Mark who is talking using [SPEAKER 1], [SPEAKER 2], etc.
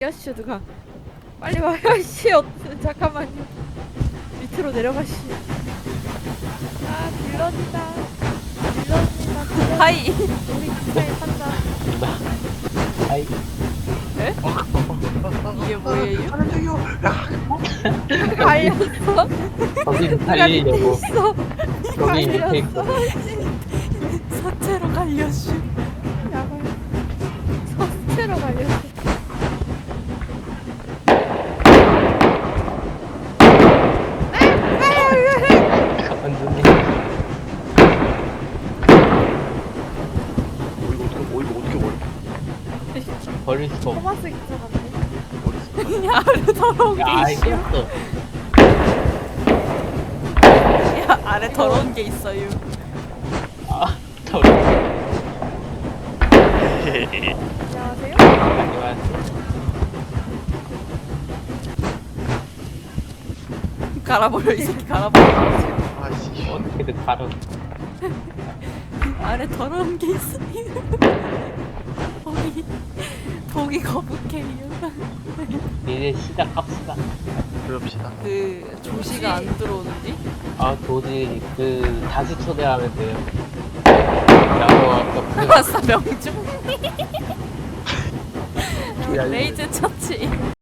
[SPEAKER 1] 야씨 누가 빨리 와요 씨. 잠깐만요. 밑으로 내려가시. 아 빌런이다. 빌런이다.
[SPEAKER 2] 하이.
[SPEAKER 1] 우리 기차에 탄다.
[SPEAKER 3] 아이
[SPEAKER 2] 이게 뭐예요?
[SPEAKER 1] 갈렸어?
[SPEAKER 3] 거기
[SPEAKER 1] 누가 밑에
[SPEAKER 3] 살리려고
[SPEAKER 1] 있어?
[SPEAKER 3] 여기 밑에 있고
[SPEAKER 2] 사체로 갈려슈.
[SPEAKER 1] 야발. 서스테로 갈렸어.
[SPEAKER 3] 완전히
[SPEAKER 4] 이거 어떻게 버려?
[SPEAKER 3] 버릴 수가 없어.
[SPEAKER 1] 토마스 기차 같네.
[SPEAKER 2] 야, 아래 더러운 게
[SPEAKER 3] 야
[SPEAKER 2] 있어.
[SPEAKER 3] 이겼어.
[SPEAKER 2] 야, 아래 더러운 게 있어요.
[SPEAKER 3] 아 더워.
[SPEAKER 1] 안녕하세요.
[SPEAKER 3] 안녕하세요.
[SPEAKER 2] 갈아버려, 이 새끼 갈아버려.
[SPEAKER 4] 아씨.
[SPEAKER 3] 어떻게든 바로
[SPEAKER 2] 아래 더러운 게 있어요. 보기 거북해요.
[SPEAKER 3] 이제 시작합시다.
[SPEAKER 4] 그럽시다.
[SPEAKER 2] 그 조시가 안 들어오는지?
[SPEAKER 3] 아 도저히 다시 초대하면 돼요. 나도 아까
[SPEAKER 2] 아싸 명중.
[SPEAKER 4] 야,
[SPEAKER 2] 레이즈 처치.